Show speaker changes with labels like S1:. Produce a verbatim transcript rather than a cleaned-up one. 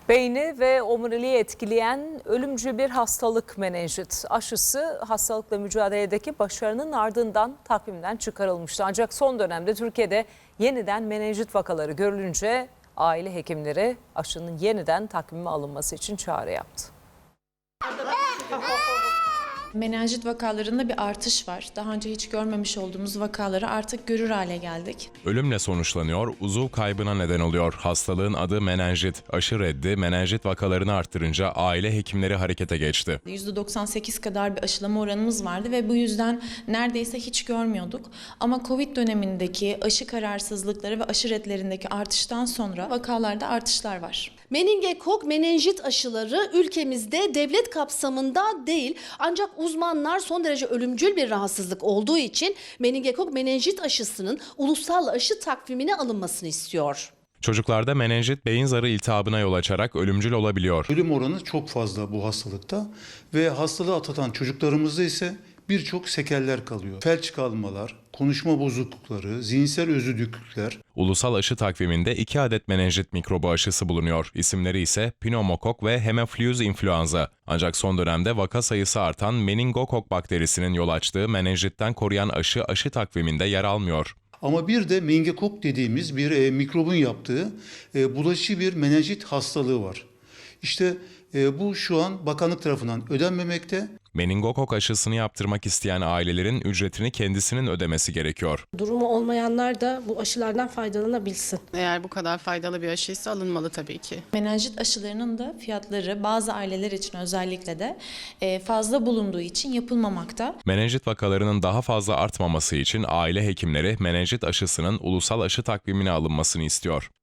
S1: Beyni ve omuriliği etkileyen ölümcül bir hastalık menenjit. Aşısı hastalıkla mücadeledeki başarının ardından takvimden çıkarılmıştı. Ancak son dönemde Türkiye'de yeniden menenjit vakaları görülünce aile hekimleri aşının yeniden takvime alınması için çağrı yaptı.
S2: Menenjit vakalarında bir artış var. Daha önce hiç görmemiş olduğumuz vakaları artık görür hale geldik.
S3: Ölümle sonuçlanıyor, uzuv kaybına neden oluyor. Hastalığın adı menenjit. Aşı reddi menenjit vakalarını arttırınca aile hekimleri harekete geçti.
S2: yüzde doksan sekiz kadar bir aşılama oranımız vardı ve bu yüzden neredeyse hiç görmüyorduk. Ama Covid dönemindeki aşı kararsızlıkları ve aşı redlerindeki artıştan sonra vakalarda artışlar var.
S4: Meningokok, menenjit aşıları ülkemizde devlet kapsamında değil, ancak uzmanlar son derece ölümcül bir rahatsızlık olduğu için meningokok menenjit aşısının ulusal aşı takvimine alınmasını istiyor.
S3: Çocuklarda menenjit beyin zarı iltihabına yol açarak ölümcül olabiliyor.
S5: Ölüm oranı çok fazla bu hastalıkta ve hastalığı atlatan çocuklarımızda ise birçok sekeller kalıyor. Felç kalmalar, konuşma bozuklukları, zihinsel özürlülükler.
S3: Ulusal aşı takviminde iki adet menenjit mikrobu aşısı bulunuyor. İsimleri ise pneumokok ve hemofilus influenza. Ancak son dönemde vaka sayısı artan meningokok bakterisinin yol açtığı menenjitten koruyan aşı aşı takviminde yer almıyor.
S5: Ama bir de meningokok dediğimiz bir e, mikrobun yaptığı e, bulaşıcı bir menenjit hastalığı var. İşte e, bu şu an bakanlık tarafından ödenmemekte.
S3: Meningokok aşısını yaptırmak isteyen ailelerin ücretini kendisinin ödemesi gerekiyor.
S6: Durumu olmayanlar da bu aşılardan faydalanabilsin.
S7: Eğer bu kadar faydalı bir aşıysa alınmalı tabii ki.
S2: Menenjit aşılarının da fiyatları bazı aileler için özellikle de fazla bulunduğu için yapılmamakta.
S3: Menenjit vakalarının daha fazla artmaması için aile hekimleri menenjit aşısının ulusal aşı takvimine alınmasını istiyor.